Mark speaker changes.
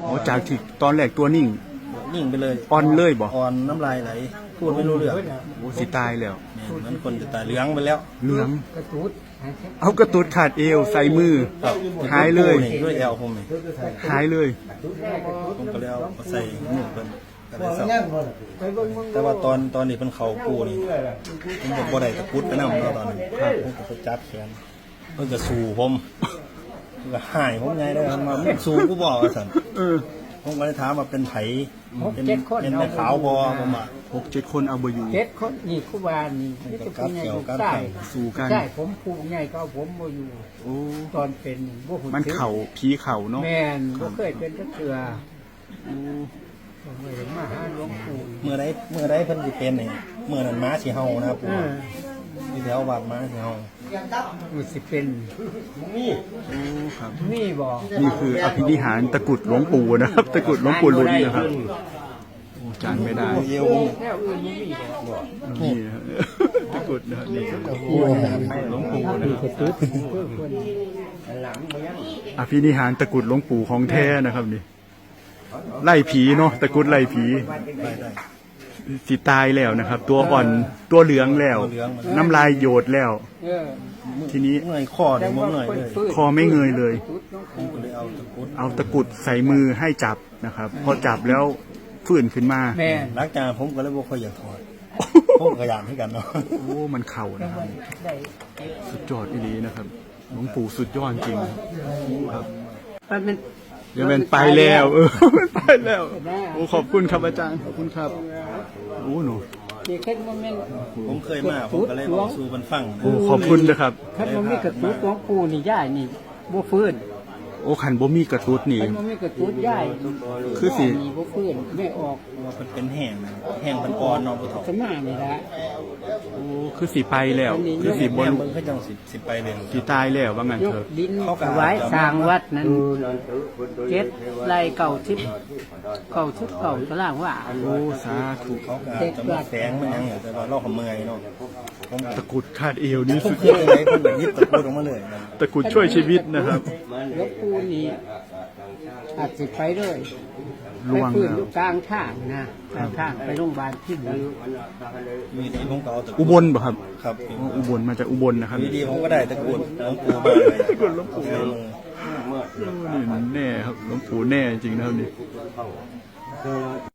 Speaker 1: อ๋อจากที่ตอนแรกตัวนิ่ง
Speaker 2: ไปเลย
Speaker 1: อ่อนเลยบ่
Speaker 2: อ่อนน้ำลายไหลพูดไม่รู้เรื่อง
Speaker 1: โอ้สิตายแล้ว
Speaker 2: เหมือนคนจะตายเหลืองไปแล้ว
Speaker 1: เหลืองเอากระตุดขาดเอวใส่มือหายเลย
Speaker 2: ด้วยแอลผม
Speaker 1: หายเลย
Speaker 2: ผมก็เลยเอาใส่หนึ่งเป็นก็ได้สับแต่ว่าตอนนี้เป็นเขาปูนี่ผมบอกบ่ได้ตะกุดไปนั่งแล้วตอนนี้ผมก็ไปจับแขนเพิ่งจะสู้ผมก็หายผมไงได้มาสู้กูบอกสันผมก็เลยถามว่าเป็นไผ่เป็นแม่ขาวบอผมอ่ะ
Speaker 1: 6-7 คนเอาบ่อยู่
Speaker 3: 7 คนนี่ครูบานี่จะเป็นไงใช่
Speaker 1: สู้กัน
Speaker 3: ใช่ผมผู้ใหญ่ก็ผมบ่อยู่
Speaker 1: โอ้
Speaker 3: ตอนเป็นบ่หุ่น
Speaker 1: มันเข่าผีเข่าเนาะ
Speaker 3: แม่นบ่เคยเป็นจักเทื่อมาหาหลวงปู่
Speaker 2: เมื่อใดเพิ่นสิเป็นนี่เมื่อนั้นม้าสิเฮานะครับปู่ที่แถววัดม้าสิเฮา
Speaker 3: มันสิเป็น
Speaker 1: นี่ครับ
Speaker 3: นี่บ่
Speaker 1: นี่คืออภินิหารตะกุดหลวงปู่นะครับตะกุดหลวงปู่ลุ้นนะครับจานไม่ได้
Speaker 3: แล้วอื่นบ่มีบ่
Speaker 1: นี่ตะกุดนะนี่หลวงปู่นะครับอภินิหารตะกุดหลวงปู่ของแท้นะครับนี่ไล่ผีเนาะตะกุดไล่ผีสิตายแล้วนะครับตัวอ่อนตัวเหลืองแล้วน้ำลายโยดแล้วทีนี้
Speaker 2: เงยคอเลยเงยเลย
Speaker 1: คอไม่เงยเลยเอาตะกุดใส่มือให้จับนะครับพอจับแล้วฟื้นขึ้นมา
Speaker 2: หลังจากผมก็เลยบอกเขาอยากถอดผมขยันให้กันเนาะ
Speaker 1: โอ้มันเข่านะครับสุดยอดอีนะครับหลวงปู่สุดยอดจริงครับอย่าเป็นไปแล้วมันไปแล้วโอ้ขอบคุณครับอาจารย์ขอบคุณครับโอ้หนู
Speaker 2: ผมเคยมาผมก็เลยบอกสู่มันฟัง
Speaker 1: โอ้ขอบคุณนะครับ
Speaker 3: คันมันมีกระตุ้นหลวงปู่นี่ย่ายนี่บ่ฟื้น
Speaker 1: โอ้ขันบ่มีกระตุ้นนี่
Speaker 3: คันมันมีกระตุ้นย่าย
Speaker 1: คือสิ
Speaker 3: บ่ฟื้นไม่ออก
Speaker 2: ว่ามันเป็นแห้งเป็นอ่อนเนาะบ่ถอด
Speaker 3: สมานี่ละ
Speaker 1: โอ้คือสิไปแล้วคือสิบ่
Speaker 2: เบิ่งคือจังสิไปเลย
Speaker 1: สิตายแล้วว่างั้นเถอะ
Speaker 3: ดินถวายสร้างวัดนั้น7 ไร่90 ตารางวา
Speaker 1: โอ้สาธุ
Speaker 2: เขาก็จะมาแฝงมันยังแต่ว่าเราก็เมื่อยเนาะ
Speaker 1: ตะกุดคาดเอวนี่สุด
Speaker 2: ยอดเลยคนแบบยิบตะกุดออกมาเลย
Speaker 1: ตะกุดช่วยชีวิตนะครับ
Speaker 3: หลวงปู่นี่อาจสิไปเลยไปฟื้นอยู่กลางทางนะกลางทางไปโรงพยาบาลที่
Speaker 2: มีดีผมก็เอาตะกุด
Speaker 1: อุบลป่ะครับ
Speaker 2: ครับ
Speaker 1: อุบลมาจากอุบลนะครับ
Speaker 2: มีดีผมก็ได้ตะกุดหลวงปู่มาเลย
Speaker 1: ตะกุดหลวงปู่นี่แน่ครับหลวงปู่แน่จริงนะครับนี่